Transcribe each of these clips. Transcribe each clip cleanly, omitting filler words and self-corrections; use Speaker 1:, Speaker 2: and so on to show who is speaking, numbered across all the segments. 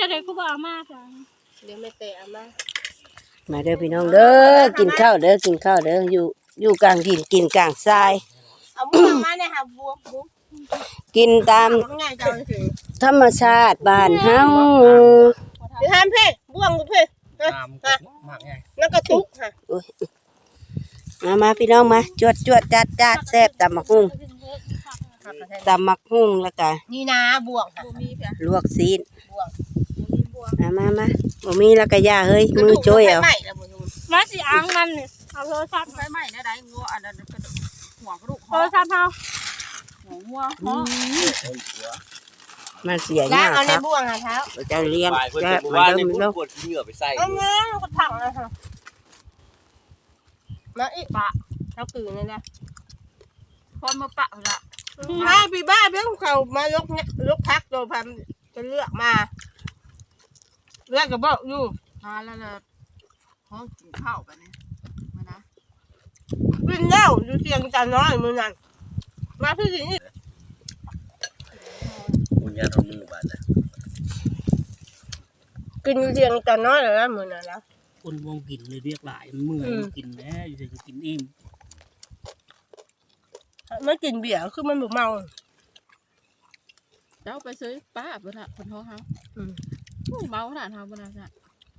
Speaker 1: เดี๋ยวกูบอกมาจ้ะ
Speaker 2: เดี๋ยวไม่เตะมา
Speaker 3: มาเด้อพี่น้องเด้อกินข้าวเด้อกินข้าวเด้ออยู่กลางดินกินกลางทราย
Speaker 2: เอาบัวมาเนี่ยค่ะบัว
Speaker 3: กินตามธรรมชาติบ้านเฮา
Speaker 2: เดี๋ยวทำเพ่บ้วงกูเพ่แล้วก็ตุ๊กค่ะ
Speaker 3: มาพี่น้องมาจวดจัดแซ่บตำมักหุ่งแล้วก็
Speaker 2: นี่นะบวงค่ะ
Speaker 3: ลวกซีนมาบ่มีแล้วก็ย่าเฮ้ยมือโจ้ยเอา
Speaker 1: มาสิอังมันนี่เอาโทรศัพท์
Speaker 2: ไฟไหม้นะได้งัวอันนั้นหัวกระดูก
Speaker 1: โทรศัพท์เฮา
Speaker 2: งัว
Speaker 3: มันเสียยาก
Speaker 2: เอาในบ่วงค่ะเท้า
Speaker 3: จะเลี้ยงจะ
Speaker 4: ว่าในพุ่นปวดเหงื่อไปใส่
Speaker 2: เอาเงี้ยก็ถังเลยค่ะมาอีปะเท้าตื่นเลยนะพอมาปะละมาพี่บ้าเบี้ยเขามายกพักโดยพันจะเลือกมาเลือกกับบอกอยู่แล้วห้องกินข้าวกันเนี่ยมานะกินแล้วอยู่เตียงจันน้อยมือนั่นมาพี่สิ
Speaker 4: คุณยาทำมือบาดนะ
Speaker 2: กินอยู่เตียงจันน้อยแล้วมือนั่นแล้ว
Speaker 5: คนวงกินเลยเรียกหลายมันเมื่อยกินแล้วอยู่จะกินอิ่ม
Speaker 2: ไม่กินเบียร์คือมันบุเมา
Speaker 6: เจ้าไปซื้อป้าเพื่อนคนท้องเขาเมาขนาดทำขนาดนั้น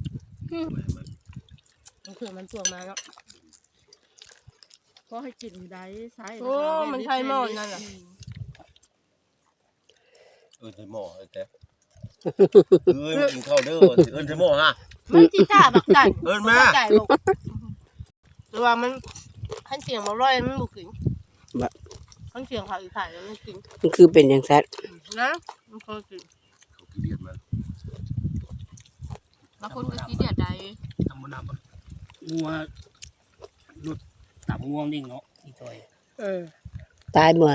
Speaker 2: มันคือมันตัวมาแล้ว
Speaker 6: ก็ให้กินได้ใช้
Speaker 2: โอ้มันใช่หม้อนั่นแหละ
Speaker 4: ใช่หม้อแต่กินข้าวเด้อใช่หม้อฮะ
Speaker 2: มันจีจ่าบักไก่
Speaker 4: มา
Speaker 2: หรือว่ามันขั้นเสียงมาร่อยมันบุกกินขั้นเสียงเขาอีกถ่ายแล้วมันกิน
Speaker 3: มันคือเป็นอย่างแซ่บ
Speaker 2: นะมันเคยกิน
Speaker 4: เดียดมา
Speaker 6: บางคนก็กินเดียดใด
Speaker 5: ทำมันน้ำงัวหลุดตับง่วงนิ่งเนาะอีจอย
Speaker 3: ตายหมด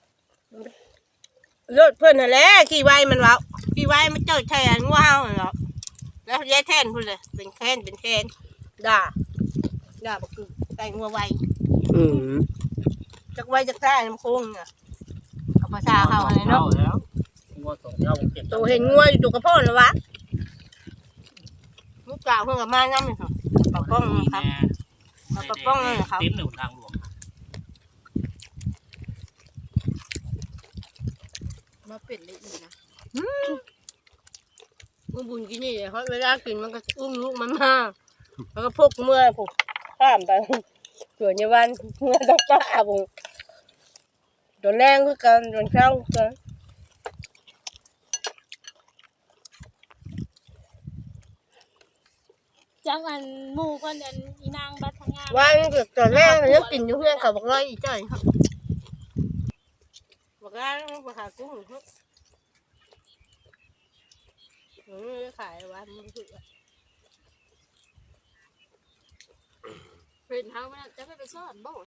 Speaker 2: เลือดเพื่อนนั่นแหละกี่ใบมันวะกี่ใบมันเจอแทนว้าวเหรอแล้วแย่แทนพูดเลยเป็นแทนด่าบักคือแต่งัวไวจากไวจากใต้น้ำโค้งเนี่ยเอาภาษาเขาอะไรเนาะ
Speaker 5: งัวสองเท่าเก็บ
Speaker 2: ตัวเห็นงัวอยู่ตัวกระโปงแล้ววะลูกกล่าวเพื่อนกับมาน้ำเลยค่ะปะป้องนะครับปะป้องเลยครับ
Speaker 5: เต็มหนึ่งทางหลวง
Speaker 6: มาเป็ดเลยอีกนะ
Speaker 2: มึงบุญกินนี่เขาเวลากินมันก็อุ้มลูกมันมาแล้วก็พกเมื่อผมข้ามไปส่วนในวันเมื่อต้องป้าผมโดนแรงคือกันโดนเข้ากัน
Speaker 1: จังอันหมู่คนอันอีนางบัดทางงาน
Speaker 2: วันเกิดตอนแรกแล้วกินอยู่เพื่อนเขาบอกเลยอีจ้อยครับบอกว่ามาหากุ้งครับขายวันมันคือ
Speaker 6: เป็นเท้ามันจะไม่ไปซ่อนบ่